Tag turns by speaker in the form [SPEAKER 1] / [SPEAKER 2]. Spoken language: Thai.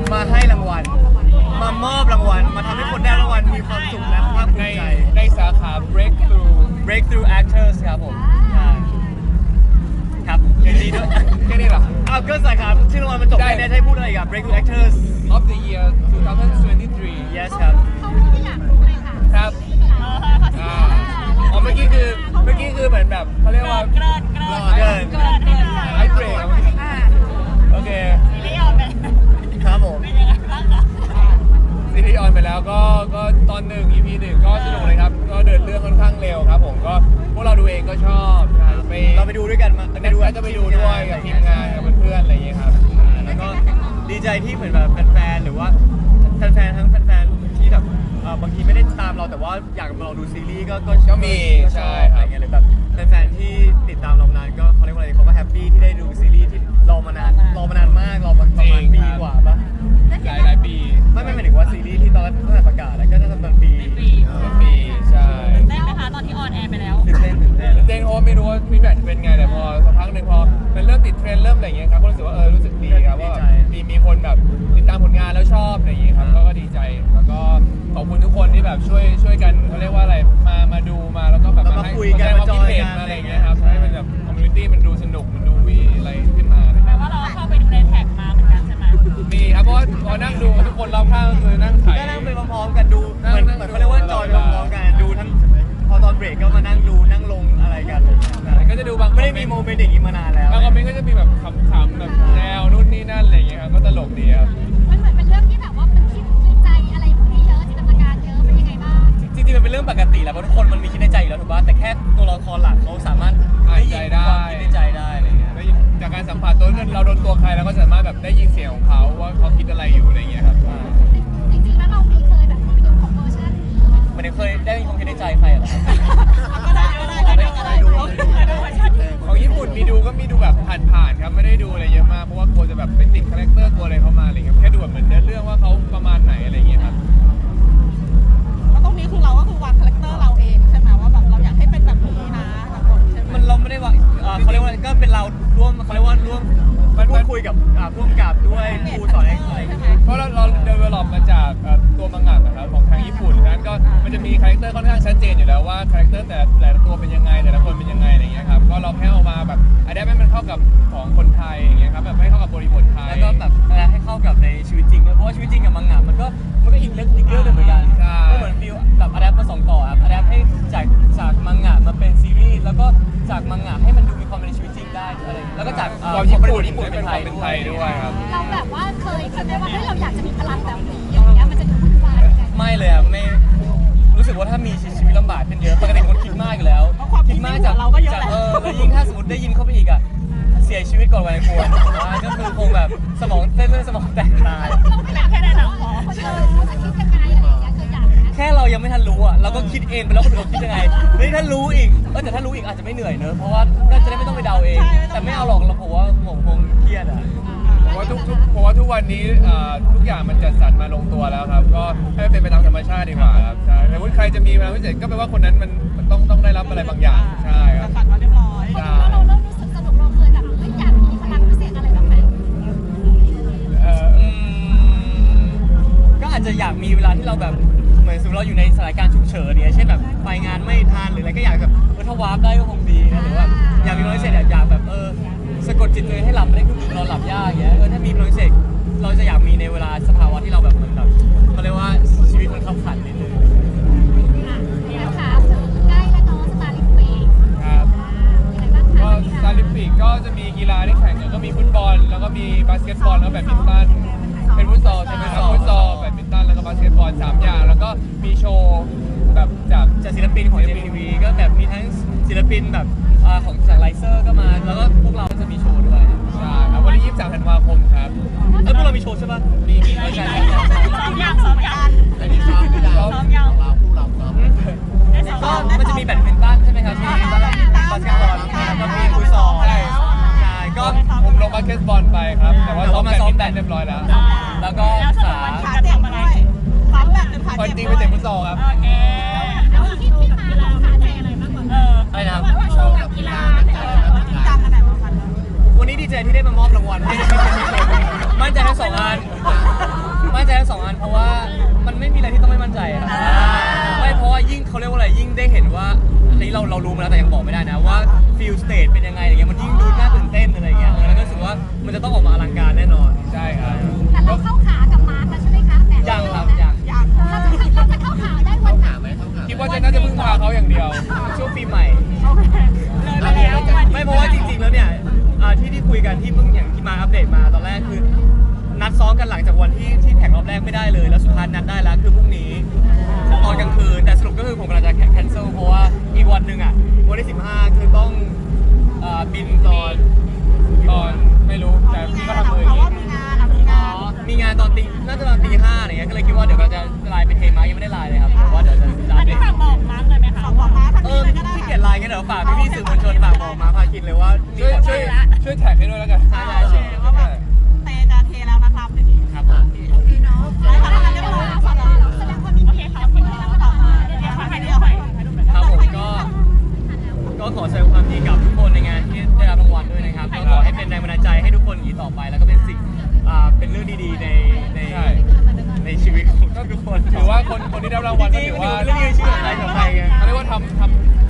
[SPEAKER 1] มาให้รางวัลมามอบรางวัลมาทำให้คนได้รางวัลมีความสุขและภาคภูมิใจ
[SPEAKER 2] ในสาขา breakthrough
[SPEAKER 1] actors ครับผมครับยินดีด้วย
[SPEAKER 2] แค่นี้เหรอ
[SPEAKER 1] อ้าวก็สาขาชื่อรางวัลมันจบแค่นี้ให้พูดอะไรกับ breakthrough actors
[SPEAKER 2] of the year 2023
[SPEAKER 1] yes ครับ
[SPEAKER 2] ครับเมื่อกี้คือเหมือนแบบเขาเรียกว่า
[SPEAKER 1] เกิน
[SPEAKER 2] ไอเบรกโอเค
[SPEAKER 1] ครับผม
[SPEAKER 2] ซีรีส์ออนไปแล้วก็ตอน1 EP 1ก็สนุกเลยครับก็เดินเรื่องค่อนข้างเร็วครับผมก็พวกเราดูเองก็ชอบ
[SPEAKER 1] เราไปดูด้วยกันมา
[SPEAKER 2] จะไปดูด้วยกับทีมงานกับเพื่อนๆอะไรอย่างเงี้ยครับ
[SPEAKER 1] แล้วก็ดีใจที่เหมือนแบบแฟนๆหรือว่าแฟนๆทั้งแฟนๆที่แบบบางทีไม่ได้ตามเราแต่ว่าอยากมาลองดูซีรีส์
[SPEAKER 2] ก็มีใช่
[SPEAKER 1] อะไรเงี้ยหรือแบบแฟนๆที่ติดตามเรามานานก็เขาเรียกว่าอะไรเขาก็แฮปปี้ที่ได้ดูซีรีส์ที่รอมานานมากรอมาประมาณปีกว่าปะ
[SPEAKER 2] หลายปี
[SPEAKER 1] ไม่หมายถึงว่าซีรีส์ที่ตอนตั้งแต่ประกาศแล้วก็จะตอนปี
[SPEAKER 2] ใช่
[SPEAKER 3] ได้ไหมคะตอนที่ออนแอร์ไปแล้ว
[SPEAKER 1] ตื่นเต้น
[SPEAKER 2] เพราะไม่รู้ว่าฟีดแบ็กจะเป็นไงแต่พอสักพักหนึ่งพอมันเริ่มติดเทรนด์เริ่มอะไรอย่างเงี้ยครับก็รู้สึกว่ารู้สึกดีครับว่ามีคนแบบติดตามผลงานแล้วชอบอะไรอย่างเงี้ยครับก็ดีใจแล้วก็ขอบคุณทุกคนที่แบบช่วยกันเขาเรียกว่าอะไรมาดูมาแล้วก็แบบ
[SPEAKER 1] มาคุยกันมาจอยกัน
[SPEAKER 2] อะไรอย่างเงี้ยครับให้มันแบบคอมมูนิตี้มันดูสนุกมันดูวีอะไรขึ้นมา
[SPEAKER 3] แปลว่าเราเข้าไปดูในแท็กมาเหมือนกันใช่ไหม
[SPEAKER 2] มีครับเพราะว่าพอนั่งดูทุกคนรอบข้างคือนั่งถ่าย
[SPEAKER 1] ก็นั่งไปพร้อมๆกันดูเหมือนเขาเรียกว่าจอยไปพร้อมๆกันดูทั้งพอตอนเบรกก็มานั่งดูนั่งลงอะไรกัน
[SPEAKER 2] ก็จะดูบาง
[SPEAKER 1] ไม่ได้มีโมเมนต์อย่างนี้มานานแล้ว
[SPEAKER 2] บางคอมเมนต์ก็จะมีแบบขำๆแบบแนวนู่นนี่นั่นอะไรอย่างเงี้ยครับก็ตลกดีครับ
[SPEAKER 3] มันเหมือนเป็นเรื่องที่แบบว่ามันคิดในใจอะไรพวกนี้เยอะจินตนาการเยอะเป็นยังไงบ้าง
[SPEAKER 1] จริงๆมันเป็นเรื่องปกติแหละเพราะทุกคนมันมีคิดในใจอยู่แล้วถูกป่ะแต่แค่ตัวละครหลักเขาสามารถ
[SPEAKER 2] ได้ยิน
[SPEAKER 1] ความคิดในใจได้อะไรเงี้ย
[SPEAKER 2] จากการสัมผัสตัวเราโดนตัวใครเราก็สามารถแบบได้ยินเสียงของเขาว่าเขาคิดอะไรอยู่อะไรเงี้ยครับ
[SPEAKER 3] จริงๆแล้วเราเคยแบบไปดูของเวอร์ชัน
[SPEAKER 1] มันเคยได้ยินความคิดในใจใครเหรอ
[SPEAKER 3] ก็ได้ดู
[SPEAKER 2] ของญี่ปุ่นมีดูแบบผ่านๆครับไม่ได้ดูอะไรเยอะมากเพราะว่ากลัวจะแบบไปติดคาแรคเตอร์กลัวอะไรเข้ามาอะไรเงี้ยแค่ดูแบบเหมือนเรื่องว่าเขาประมาณไหนอะไรเงี้ยครับ
[SPEAKER 3] แล้วตรงนี้คือเราก็คือวางคาแรคเตอร์เราเองใช่ไหมว่าแบบเราอยากให้เป็นแบบนี้นะใช่ไหม
[SPEAKER 1] มันเราไม่ได้วางเขาเรียกว่าก็เป็นเราร่วมเขาเรียกว่าร่วมพูดคุยกับผู้กำกับด้วยครูสอนอะไร
[SPEAKER 2] เพราะเราเดเวลลอปมาจากตัวมังงะนะครับของทางญี่ปุ่นนั้นก็มันจะมีคาแรคเตอร์ค่อนข้างชัดเจนอยู่แล้วว่าคาแรคเตอร์แต่ละตัวเป็นยังไงแต่ละคนเป็นยังไงอะไรเงี้ยครับก็เราแค่เอามาแบบอันนี้ให้มันเข้ากับของคนไทยอย่างเงี้ยครับแบบให้เข้ากับบริบทไทย
[SPEAKER 1] แล้วก็แบบให้เข้ากับในชีวิตจริงด้วยเพราะว่าชีวิตจริงกับมังงะมันก็อีกเรื่องนึงเหมือนกันก็เหมือนฟิลแบบอะแดปมา2ต่อครับอะแดปให้จากมังงะมาเป็นซีรีส์แล้วก็จากมังงะให้มันดูมีความเป็นในชีวิตจริงได้อะไรแล้วก็จาก
[SPEAKER 2] ความญี่ปุ่นเป็นไทยด้วยครับ
[SPEAKER 3] เราแบบว่าเคยคิดไหมว่าเราอยากจะมีพลังแบบนี้อย่างเงี้ยมันจะดูวุ่นวาย
[SPEAKER 1] ไม่เลยครับไม่รู้สึกว่าถ้ามีชีวิตลำบากขึ้นเยอะปกติคนคิดมากอยู่แล้ว
[SPEAKER 3] คิด
[SPEAKER 1] มากจาก
[SPEAKER 3] เราก็เยอะแหละ
[SPEAKER 1] แล้วยิ่งถ้าสมมติได้ยินเข้าไปอีกเสียชีวิตก่อนวัยควรก็คือคงแบบสมองเส้นเลือดสมองแตกตาย
[SPEAKER 3] แค่ในหนังพอจะคิดยังไงอะไรอย่างเงี้ยเคยอยาก
[SPEAKER 1] แค่เรายังไม่ทันรู้เราก็คิดเองไปแล้วคนอื่นคิดยังไงถ้ารู้อีกแต่ถ้ารู้อีกอาจจะไม่เหนื่อยเนอะเพราะว่าก็จะได้ไม่ต้องไปเดาเองแต่ไม่เอาหรอกเราผมว่าผมคงเครียด
[SPEAKER 2] ผมว่าทุกวันนี้ทุกอย่างมันจัดสรรมาลงตัวแล้วครับก็ให้เป็นไปตามธรรมชาติดีกว่าครับใช่แต่ว่าใครจะมีพลังพิเศษก็แปลว่าคนนั้นมันต้องได้รับอะไรบางอย่างใช่ครับ
[SPEAKER 3] จัดสรรมาเรียบร้อยเราเริ่มรู้สึกสนุกเราเคยแบบอยากมีพลังพิเศษอะไรบ้างไหม
[SPEAKER 1] ก็อาจจะอยากมีเวลาที่เราแบบเหมือนสมมติเราอยู่ในสถานการณ์ฉุกเฉินเนี่ยเช่นแบบไปงานไม่ทันหรืออะไรก็อยากแบบถ้าวาร์ปได้ก็คงดีนะหรือว่าอยากมีพลังพิเศษอยากแบบสะกดจิตตัวเองให้หลับไม่ได้คือนอนหลับยากอย่างเงี้ยถ้ามีพลังพิเศษเราจะอยากมีในเวลาสภาวะที่เราแบบเหมือนแบบเขาเรียกว่าชีวิตมันขับขันนิดนึง
[SPEAKER 3] นี่นะคะใกล้แล้วเนาะสตาร์ลิมปิก
[SPEAKER 2] ครับก็สตาร์ลิมปิกก็จะมีกีฬาที่แข่งกันก็มีฟุตบอลแล้วก็มีบาสเกตบอลแล้วก็แบดมินตันเป็นฟุตซอลใช่ไหมครับฟุตซอลแบดมินตันแล้วก็บาสเกตบอล3อย่างแล้วก็มีโชว์แบบจาก
[SPEAKER 1] ศิลปินของ JTV ก็แบบมีทั้งศิลปินแบบของจากไลเซอร์ก็มาแล้วก็พวกเราจะมีโชว์ด้วย
[SPEAKER 2] ใช่ครับวันที่23 ธันวาคมครับ
[SPEAKER 1] พวกเรามีโชว์ใช่ป่ะ
[SPEAKER 2] มี
[SPEAKER 3] ใช่ซ้อมยัง
[SPEAKER 2] อันนี้ซ้อม
[SPEAKER 3] ยัง
[SPEAKER 2] เราคู่เราซ้อม
[SPEAKER 1] ก็มันจะมีแบดมินตันใช่ไหมครับมีบาสเกตบอลแล้วก็มีฟุตซอลใช่ก็
[SPEAKER 2] ผมลงบาสเกตบอลไปครับแต่ว่าซ้อมแบดเรียบร้อย
[SPEAKER 1] แล้วก็
[SPEAKER 3] ขาเจ็บอะไรขาแบดหรือขา
[SPEAKER 2] เจ็บ
[SPEAKER 3] จริง
[SPEAKER 2] ไปเตะฟุตซอลครับ
[SPEAKER 3] แล้วที่มาของขาเจ็บอะไรมากกว่า
[SPEAKER 1] อะไรนะครับ
[SPEAKER 3] โชว์กับกีฬาจริงจังอันไหนบ้างคะ
[SPEAKER 1] วันนี้ดีใจที่ได้มามอบรางวัลให้มั่นใจทั้ง2 อัน 2 อันเพราะว่ามันไม่มีอะไรที่ต้องไม่มั่นใจครับไม่เพราะว่ายิ่งเขาเรียกว่าอะไรยิ่งได้เห็นว่าอันนี้เรารู้มาแล้วแต่ยังบอกไม่ได้นะว่าฟิลสเตจเป็นยังไงอะไรเงี้ยมันยิ่งดูน่าตื่นเต้นอะไรเงี้ยแล้วก็รู้สึกว่ามันจะต้องออกมาอลังการแน่นอน
[SPEAKER 2] ใช่ครับ
[SPEAKER 4] แต่เราเข้าขากับมาร์คแล้วใช่ไหมคะแบบ
[SPEAKER 1] ยังครับยัง
[SPEAKER 3] อยาก
[SPEAKER 4] เราจะเข้าขาได้วันไหน
[SPEAKER 2] คิดว่าน่าจะพึ่งพาเขาอย่างเดียว
[SPEAKER 1] ช่วงปีใหม่
[SPEAKER 3] โอเคเลยไปแล้ววันนี้
[SPEAKER 1] ไม่เพราะว่าจริงๆแล้วเนี่ยที่คุยกันที่เพิ่งอย่างที่มาอัปเดตมาตอนแรกคือนัดซ้อมกันหลังจากวันที่แข่งรอบแรกไม่ได้เลยแล้วสุดท้ายนัดได้แล้วคือพรุ่งนี้ตอนกลางคืนแต่สรุปก็คือผมกำลังจะแคนเซิลเพราะว่าอีกวันหนึ่งวันที่15คือต้องบินตอน
[SPEAKER 2] ไม่รู้แต่พี่ก็ทำมืออ
[SPEAKER 3] เพ
[SPEAKER 2] ย่าง
[SPEAKER 3] ราะ
[SPEAKER 2] นี้
[SPEAKER 3] ว่ามีงานมีงาน
[SPEAKER 1] มีงานตอนน่าจะตอนตี 5อะไรเงี้ยก็เลยคิดว่าเดี๋ยวเราจะไลน์ไปเทมายังไม่ได้ไลน์เลยครับแต่ว่าเดี๋ยวจะไลน์ไป
[SPEAKER 3] ฝากบอกมาร์คเลยไหมคะบอกมาร์คทันทีเลยก็ได้
[SPEAKER 1] ที่เกียรไลน์กันเดี๋ยวฝากพี่ๆสื่อมวลชนฝากบอกมาพาคินเลยว่า
[SPEAKER 2] ช่วยแท็กให้ด้วยแล้วกัน
[SPEAKER 1] ใช่
[SPEAKER 3] โอเคว่าแบบเตจะเทแล้วนะครับอย่างนี้
[SPEAKER 1] ครับผม
[SPEAKER 4] โอเคเนาะ
[SPEAKER 3] ได้ค่ะเรียบร้อยแล้ว
[SPEAKER 4] แสดงความยินดีค่ะคุณแล้วต่อมา
[SPEAKER 3] เดี๋ยวขอถ่ายเดียวให้
[SPEAKER 1] ครับผมก็ขอแสดงความยินดีกับทุกคนในงานที่ได้รับรางวัลด้วยนะครับก็ขอให้เป็นแรงบันดาลใจให้ทุกคนอย่างนี้ต่อไปแล้วก็เป็นสิ่งเป็นเรื่องดีๆในชีวิตของทุกคน
[SPEAKER 2] ถือว่าคนที่ได้รับรางวัลก็ถือว่า
[SPEAKER 1] เรื่องนี้ชื่ออะไรของใครไง
[SPEAKER 2] เขาเรียกว่าท